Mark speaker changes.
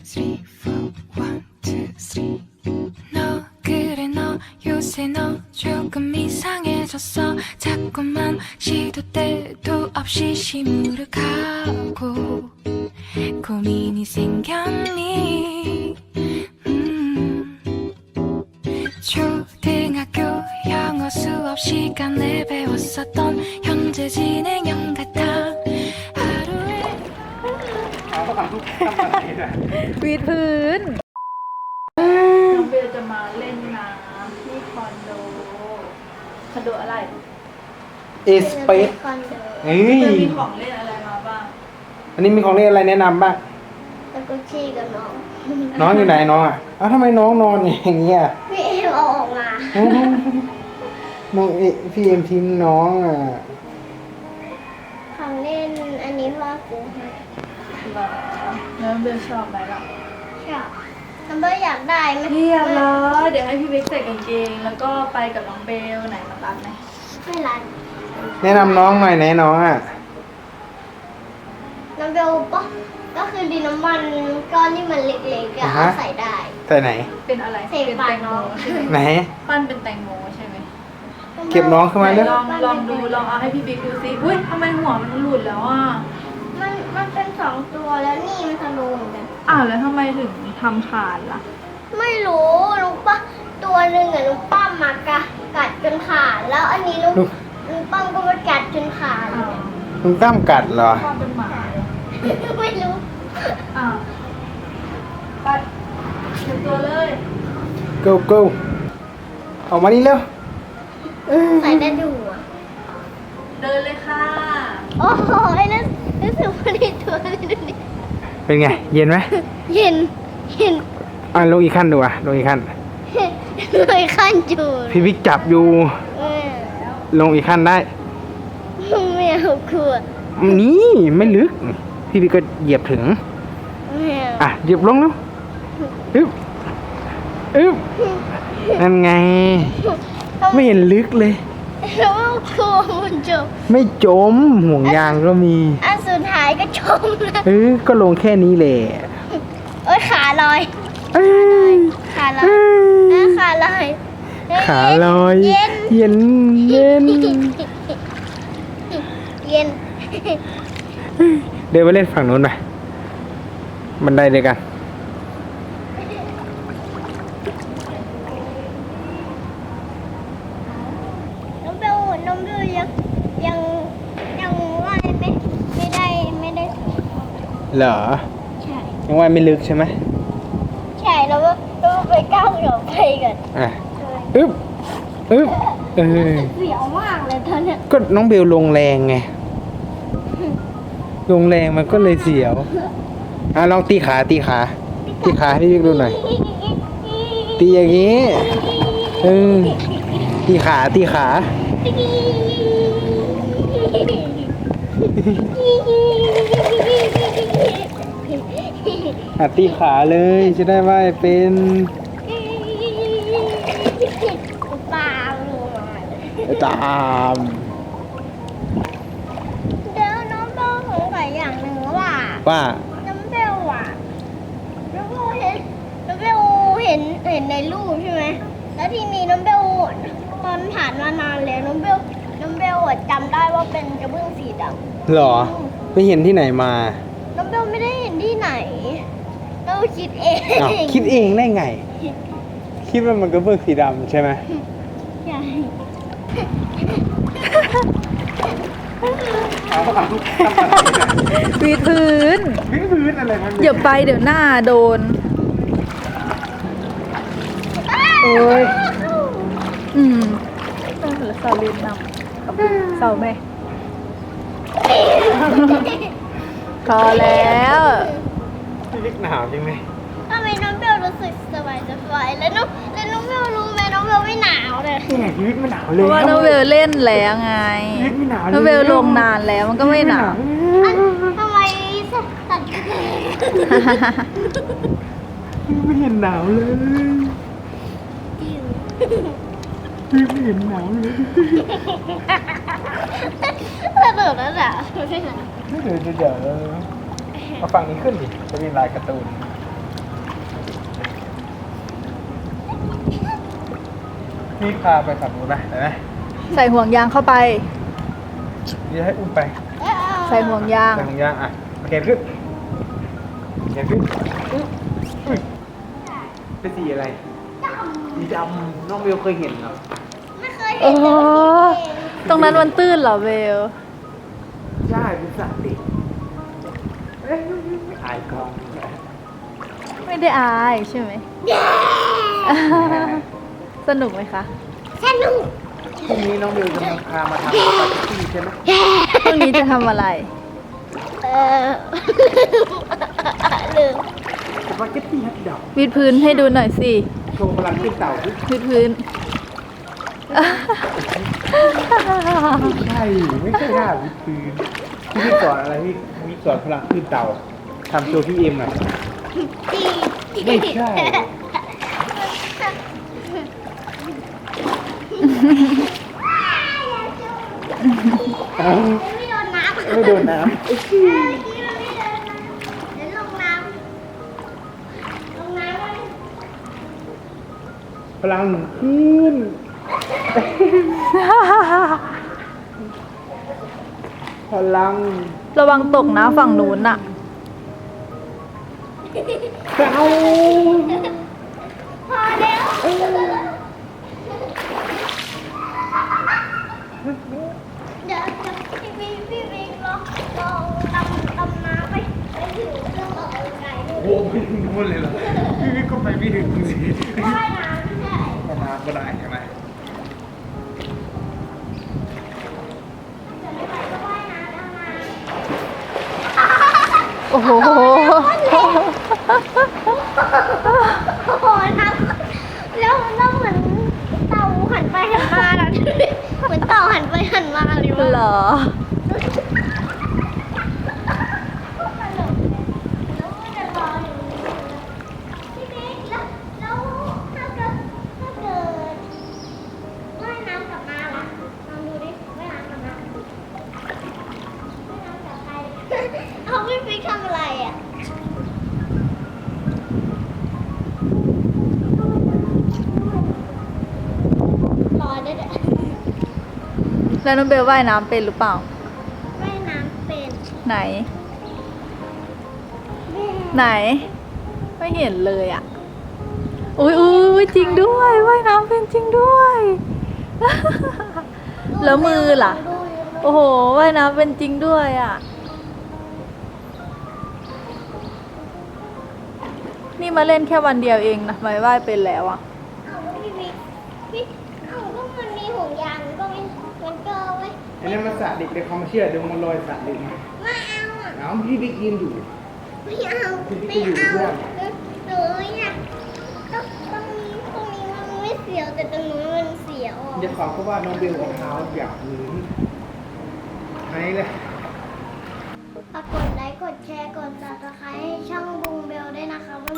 Speaker 1: three, four, one, two, three. 너 그래 너 요새 너 조금 이상해졌어. 자꾸만 시도 때도 없이 시무룩하고 고민이 생겼니? 초등학교 영어 수업 시간에 배웠었던 현재 진행형 같아. 하루에
Speaker 2: วีดพื้น
Speaker 3: น้องเบลจะมาเล่นน้ำที่คอนโดอะไร
Speaker 4: เอสเปซเฮ้ย
Speaker 3: จะมีของเล่นอะไรมาบ้าง
Speaker 4: อันนี้มีของเล่นอะไรแนะนำบ้าง
Speaker 5: แล้วก็ชี้กับน้อง
Speaker 4: น้องอยู่ไหนน้องอ่ะอ้าวทำไมน้องนอนอย่างเงี้ย
Speaker 5: พี่เอ็มเอาออกมา
Speaker 4: น้องพี่เอ็มทิ้งน้องอ่ะ
Speaker 5: ของเล่นอันนี้พ่อซื้อให้
Speaker 3: เหรอน้องเบลชอบไหมล่ะ
Speaker 5: ชอบน้องเบอร์อยากได้ไหม
Speaker 3: เรียบร้อยเดี๋ยวให้พี่เบคใส่กางเกงแล้วก็ไปกับน้องเบลไหนมาตัดไหม
Speaker 5: ไม่รัน
Speaker 4: แนะนำน้องหน่อยไหนน้องอ่ะ
Speaker 5: น้องเบลปะก็คือดินน้ำมันก้อนที่มันเล็กๆอะเอาใส่ได้
Speaker 4: ใส่ไหน
Speaker 3: เป็นอะไร
Speaker 5: ใส่
Speaker 3: เป็น
Speaker 5: ปา
Speaker 3: แต
Speaker 5: ก
Speaker 3: ง
Speaker 5: น้
Speaker 3: โม
Speaker 5: อง
Speaker 3: ใช่ไหม
Speaker 4: ไหน
Speaker 3: ปั้นเป็นแตงโมใช่ไหม
Speaker 4: เก็บน้องขึ้นมา
Speaker 3: ไหน
Speaker 4: เร็ว
Speaker 3: ลองดูลองเอาให้พี่เบคดูซิอุ้ยทำไมหัวมันหลุดแล้วอ่ะ
Speaker 5: มันเป็น2 ตัวแล้วนี่มันทะลุเหมือนกัน
Speaker 3: อ้าวแล้วทำไมถึงทำขาดล่ะ
Speaker 5: ไม่รู้ลูกปะตัวหนึ่งอะลูกป้ามมกัดจนขาดแล้วอันนี้ลูกป้ามก็มากัดจนขาดเลย
Speaker 4: ลุงตั้มกัดเหรอ
Speaker 3: ความเป็นหมาเลย
Speaker 5: ไม่รู้
Speaker 3: อ้าวไปเตรียมตัวเลย
Speaker 4: go go ออกมานี่เร็ว
Speaker 5: ใส่ได้ดูอะ
Speaker 3: เดินเลยค่ะ
Speaker 5: โอ้โหไอ้นั่นรู้สึกว่าในตัวเลยดูดิ
Speaker 4: เป็นไง เย็นไหม
Speaker 5: เห็น
Speaker 4: อ่ะลงอีกขั้นดูอ่ะลงอีกขั้น
Speaker 5: เลยขั้นจูด
Speaker 4: พี่วิกจับอยู่
Speaker 5: เออ
Speaker 4: ลงอีกขั้นได้
Speaker 5: ไม่เอากลัว
Speaker 4: นี่ไม่ลึก พี่วิกก็เหยียบถึง
Speaker 5: ไม่เอา
Speaker 4: อ่ะเหยียบลงแล้วอึ๊บอึ๊บนั่นไง ไม่เห็นลึกเลย
Speaker 5: แล้วกลัวมันจม
Speaker 4: ไม่จมห่วงยางก็มี
Speaker 5: อันสุดท้ายก็จมแล้ว
Speaker 4: ก็ลงแค่นี้แหละ
Speaker 5: โอ้ยขาลอย
Speaker 4: เอ้ย
Speaker 5: ขาลอยขาลอย
Speaker 4: ขาลอย
Speaker 5: เย็น
Speaker 4: เย็นเย็น
Speaker 5: เย็น
Speaker 4: เดินไปเล่นฝั่งนู้นไปบันไดเดียวกัน
Speaker 5: น้องเบลยังว่ายไม่ได้ถึง
Speaker 4: เหรอ
Speaker 5: ใช่
Speaker 4: ยังว่าไม่ลึกใช่ไหม
Speaker 5: ใช่แล้วก็ไปก้าวเดี๋ยวไปกัน
Speaker 4: อ่ะอึ๊บอึ๊บเออ
Speaker 5: เสียวมากเลยตอนเนี้ย
Speaker 4: ก็น้องเบลลงแรงไง ลงแรงมันก็เลยเสียว อ่ะลองตีขาให้พี่วิกดูหน่อย ตีอย่างนี้ตีขา อ่ะตีขาเลยจะได้ว่ายเป็น
Speaker 5: ปลาลงมา
Speaker 4: ตาม
Speaker 5: เดี๋ยวน้องเบลสงสัยอย่างหนึ่งว่า
Speaker 4: ว่า
Speaker 5: น้ำเบลอ่ะน้ำเบลเห็นในรูปใช่ไหมแล้วทีนี้น้ำเบลตอนผ่านมานานแล้วน้ำเบลอะจำได้ว่าเป็นกระเบื้องสีดำ
Speaker 4: หรอไปเห็นที่ไหนมา
Speaker 5: น้ำเบลไม่ได้เห็นที่ไหนเราคิดเอง
Speaker 4: อ้าวคิดเองได้ไง คิดว่ามันก็เบื้องสีดำใช่ไหม
Speaker 5: ใช่
Speaker 2: วีดพื้น
Speaker 4: พื้นอะไรมัน
Speaker 2: อย่าไปเดี๋ยวหน้าโดน
Speaker 4: โอ้ย
Speaker 2: อืมต้องเหลือเสาเรียนนำกับเสาไหมพอแล้ว
Speaker 4: พี่วิกหนาวจริงไหม
Speaker 5: ทำไมน้องเบลรู้สึกสบายแล้วน้องเบลรู้ไหมน้องเบลไม่หนาวเลย
Speaker 4: นี่ไงพี่วิกไม่หนาว
Speaker 2: เพ
Speaker 4: เลย
Speaker 2: ราะว่าน้องเบลเล่นแล้วไง
Speaker 4: พี่วิกไม่หนาวเลย
Speaker 2: น้องเบลลงนานแล้วมันก็ไม่หนาว
Speaker 5: ทำไมสัตว์
Speaker 4: ไม่เห็นหนาวเลยพี่ไม่เห็นหนาวเลย
Speaker 5: สนุกแล้วแหละไม่หนาว
Speaker 4: เดี๋ยวเอาฝั่งนี้ขึ้นดิจะมีลายการ์ตูนพี่พาไปฝั่งนู้นไปไหม
Speaker 2: ใส่ห่วงยางเข้าไป
Speaker 4: นี่จะให้อุ้มไป
Speaker 2: ใส่ห่วงยาง
Speaker 4: ไปของย่างอ่ะโอเคขึ้นเก็บขึ้นอุ๊ยเป็นสีอะไรสีดำน้องเบลเคยเห็นเหรอ
Speaker 5: ไม่เคย
Speaker 2: โอ้
Speaker 5: เห็น
Speaker 2: โห
Speaker 5: เลย
Speaker 2: ตรงนั้นมันตื้นเหรอเบล
Speaker 4: ใช่เป็นสัตว์ดิเอ้ยอายกล้อง
Speaker 2: ไม่ได้อายใช่ไหม สนุกไหมคะ
Speaker 5: สนุก
Speaker 4: พรุ่งนี้น้องเบลจะมาพามาทำสปาเกตตี้ใช่ไหม
Speaker 2: พรุ่งนี้จะทำอะไร
Speaker 5: เออลืม
Speaker 4: สปาเกตตี้ฮัทดอก
Speaker 2: วิดพื้นให้ดูหน่อยสิ
Speaker 4: โชว์พลังขึ้นเต่าดิ
Speaker 2: วิดพื้น
Speaker 4: ใช่ไม่ใช่ท่าวิดพื้นพี่สอนอะไรพี่วิสอนพลังขึ้นเต่าทำโชว์พี่เอ็มหน่อยไม่ใช่ เอ้า
Speaker 5: ไม่โดนน้ำ
Speaker 4: ไม่โดนน้
Speaker 5: เมื่อกี้มันไม่โดนน้ำเดี๋ยวลงน้ำเลย
Speaker 4: ำพลังขึ้นพลัง
Speaker 2: ระวังตกนะฝั่งนู้นน่ะ
Speaker 4: เก่า
Speaker 5: พอแล้วเดี๋ยวพี่บิ๊กลองดำน้ำไปถึงเรื่องออกกำลังกายด้วย
Speaker 4: โว้ไปถึงนู่นเลยเหรอพี่วิทย์ก็ไปไม่ถึงสิ
Speaker 5: ว่ายน้ำไม่ใช่
Speaker 4: ประมาณก็ได้ใช่ไหม
Speaker 5: จะไม่ไปก็ว่ายน้ำแล้วนะ
Speaker 2: โอ้โห
Speaker 5: โอ้โหน้ำแล้วเหมือนเต่าหันไปหันมาแล้วเหมือนเต่าหันไปหันมาเลย
Speaker 2: เหร
Speaker 5: ว่า
Speaker 2: อ
Speaker 5: แล้วมันจะรออยู่พี่บิ๊กแล้วถ้าเกิดว่ายน้ำกลับมาล่ะลองดูดิว่ายน้ำกลับมาว่ายน้ำกลับไปเอาพี่บิ๊กทำอะไรอ่ะรอได้เด้อ
Speaker 2: แล้วน้องเบลว่ายน้ำเป็นหรือเปล่า
Speaker 5: ว่ายน้ำเป็น
Speaker 2: ไหน ไหน ไม่เห็นเลยอ่ะ อุ้ยอุ้ยจริงด้วยว่ายน้ำเป็นจริงด้วย แล้วมือล่ะ
Speaker 5: ดูอยู่
Speaker 2: โอ้โหว่ายน้ำเป็นจริงด้วยอ่ะ นี่มาเล่นแค่วันเดียวเองนะไม่ว่ายเป็นแล้วอ่ะ
Speaker 5: เอาก็พี่บิ๊กเอาก็มันมีห่วงยางมันก็ไว้
Speaker 4: อันนี้มันสระเด็กเลยเขามาเชื่อเดี๋ยวมันลอยสระเด็กมา
Speaker 5: ไม่เอาอ่ะ
Speaker 4: เอาพี่บิ๊กยืนอยู่
Speaker 5: ไม่เอาไม่เอาหนูอยากตรงนี้มันไม่เสียวแต่ตรงนู้นมันเสียวอ่ะ
Speaker 4: จะขอเพราะว่าน้องเบลเอาเท้าหยับพื้นไหนเลย
Speaker 5: ฝากกดไลค์กดแชร์กด Subscribe ให้ช่องบุงเบลด้วยนะคะ